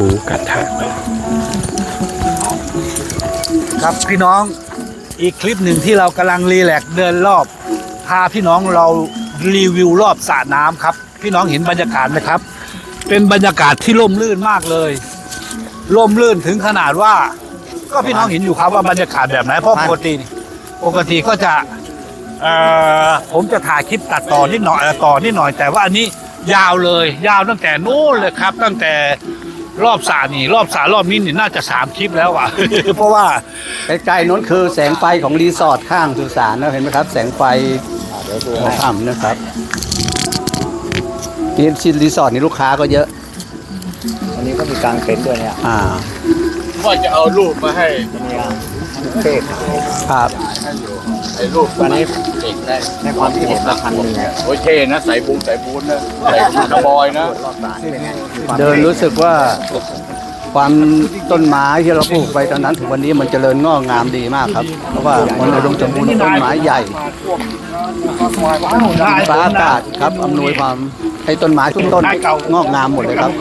มูกระทะครับพี่น้องอีกคลิปหนึ่งที่เรากำลังรีแลกซ์เดินรอบพาพี่น้องเรารีวิวรอบสระน้ำครับพี่น้องเห็นบรรยากาศไหมครับเป็นบรรยากาศที่ร่มรื่นมากเลยร่มรื่นถึงขนาดว่าก็พี่น้องเห็นอยู่ครับว่าบรรยากาศแบบไหนเพราะปกติก็จะผมจะถ่ายคลิปตัดต่อนิดหน่อยแต่ว่าอันนี้ยาวเลยยาวตั้งแต่นู้นเลยครับตั้งแต่รอบสระรอบนี้นี่น่าจะ3 คลิปแล้วอ่ะ เพราะว่าใกล้ๆนั้นคือแสงไฟของรีสอร์ทข้างสุสานนะเห็นไหมครับแสงไฟหัวค่ำนะครับนี่รีสอร์ทนี่ลูกค้าก็เยอะอันนี้ก็มีกางเต็นท์ด้วยเนี่ยว่าจะเอารูปมาให้เท่ครับไอ้รูปอันนี้เด็กได้ในความที่เห็นละพันหนึ่งโอ้ยเท่นะใส่บูนนะใส่กระบอยนะเดินรู้สึกว่าความต้นไม้ที่เราปลูกไปตอนนั้นถึงวันนี้มันเจริญงอกงามดีมากครับเพราะว่ามันอุดมสมบูรณ์ต้นไม้ใหญ่ฟ้าอากาศครับอำนวยความให้ต้นไม้ทุกต้นงอกงามหมดเลยครับ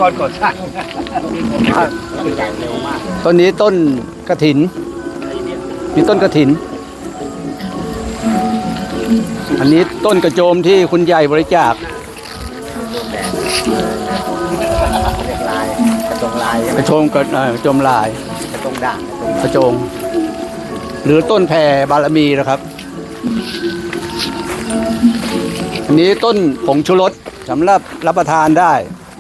ต้นนี้ต้นกฐินมีต้นกฐินอันนี้ต้นกระโจมที่คุณใหญ่บริจาคกระโจมกระโจมลายกระตรงด่างกระโจมหรือต้นแผ่บารมีนะครับอันนี้ต้นผงชูรสสำหรับรับประทานได้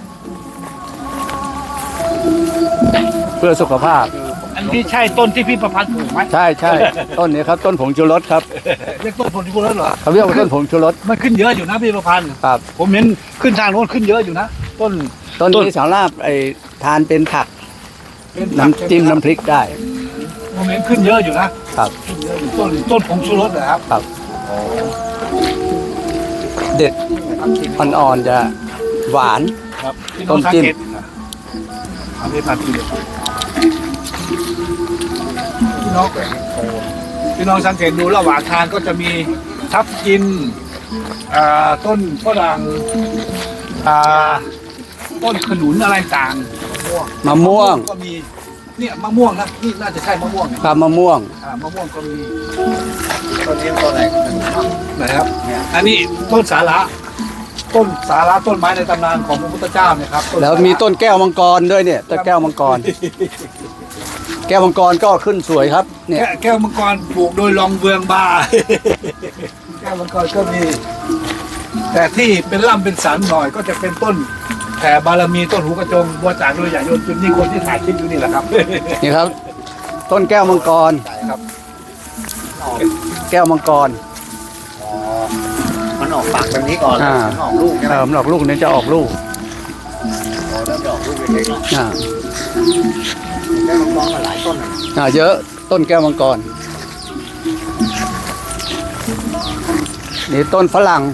เพื่อสุขภาพอันนี้ใช่ต้นที่พี่ประพันธ์ปลูกไหมใช่ต้นนี้ครับต้นผงชูรสครับเรียกต้นผงชูรสเหรอเขาเรียกว่าต้นผงชูรสมันขึ้นเยอะอยู่นะพี่ประพันธ์ครับผมเห็นขึ้นทางโน้นขึ้นเยอะอยู่นะต้นนี้สำหรับทานเป็นผักน้ำจิ้มน้ำพริกได้ผมเห็นขึ้นเยอะอยู่นะครับต้นผงชูรสเหรอครับครับเด็ดอ่อนๆจะหวานครับต้นจิ้มพี่น้องสังเกตดูระหว่างทางก็จะมีทับทิมต้นฝรั่งต้นขนุนอะไรต่างมะม่วงก็มีเนี่ยมะม่วงนะนี่น่าจะใช่มะม่วงครับมะม่วงก็มีต้นนี้ต้นอะไรนะครับอันนี้ต้นสาระต้นไม้ในตำนานของพระพุทธเจ้าเนี่ยครับแล้วมีต้นแก้วมังกรด้วยเนี่ยต้นแก้วมังกรแก้วมังกรก็ขึ้นสวยครับเนี่ยแก้วมังกรปลูกโดยรองเบืองบาแก้วมังกรก็มีแต่ที่เป็นล่ำเป็นสันหน่อยก็จะเป็นต้นแผ่บารมีต้นหูกระจงบัวจ่าโดยใหญ่ยนต์จุดนี้คนที่ถ่ายคลิปอยู่นี่แหละครับนี่ครับต้นแก้วมังกรครับแก้วมังกรมันออกปากแบบนี้ก่อนมันออกลูกใช่ไหมมันออกลูกนี้จะออกลูกเริ่มออกลูกเล็กๆแก้วมังกรมาหลายต้นเยอะต้นแก้วมังกรนี่ต้นฝรั่ง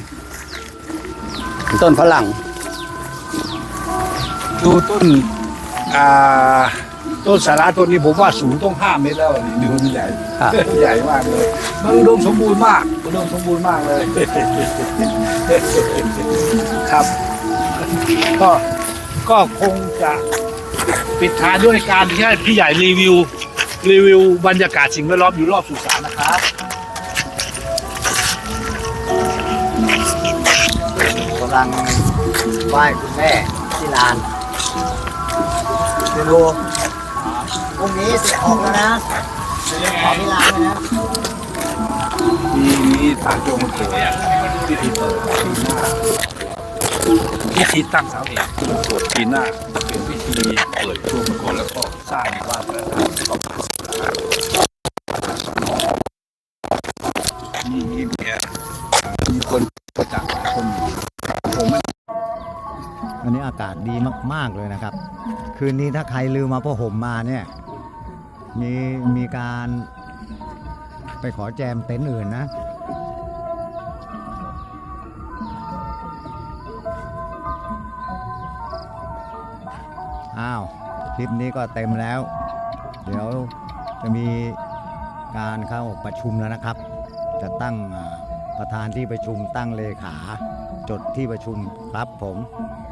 ดูต้นสาระต้นนี้ผมว่าสูงต้อง5 เมตรแล้วนี่ดูมันใหญ่ใหญ่มากเลยมันอุดมสมบูรณ์มากเลยครับก็คงจะปิดท้ายด้วยการที่ให้พี่ใหญ่รีวิวบรรยากาศสิ่งแวดล้อมอยู่รอบสุสานนะครับกำลังไหว้คุณแม่ที่ลานดูพรุ่งนี้จะออกแล้วนะขอที่ลานนะมีต่างโจมโขพิธีเปิดพิธีตั้งเสาเอกตรวจปีหน้าเป็นพิธีเปิดช่วงก่อนแล้วก็สร้างบ้านมีคนประจักษ์คนวันนี้อากาศดีมากๆเลยนะครับคืนนี้ถ้าใครลืมมาผ้าห่มมาเนี่ยมีการไปขอแจมเต็นท์อื่นนะคลิปนี้ก็เต็มแล้วเดี๋ยวจะมีการเข้าประชุมแล้วนะครับจะตั้งประธานที่ประชุมตั้งเลขาจดที่ประชุมครับผม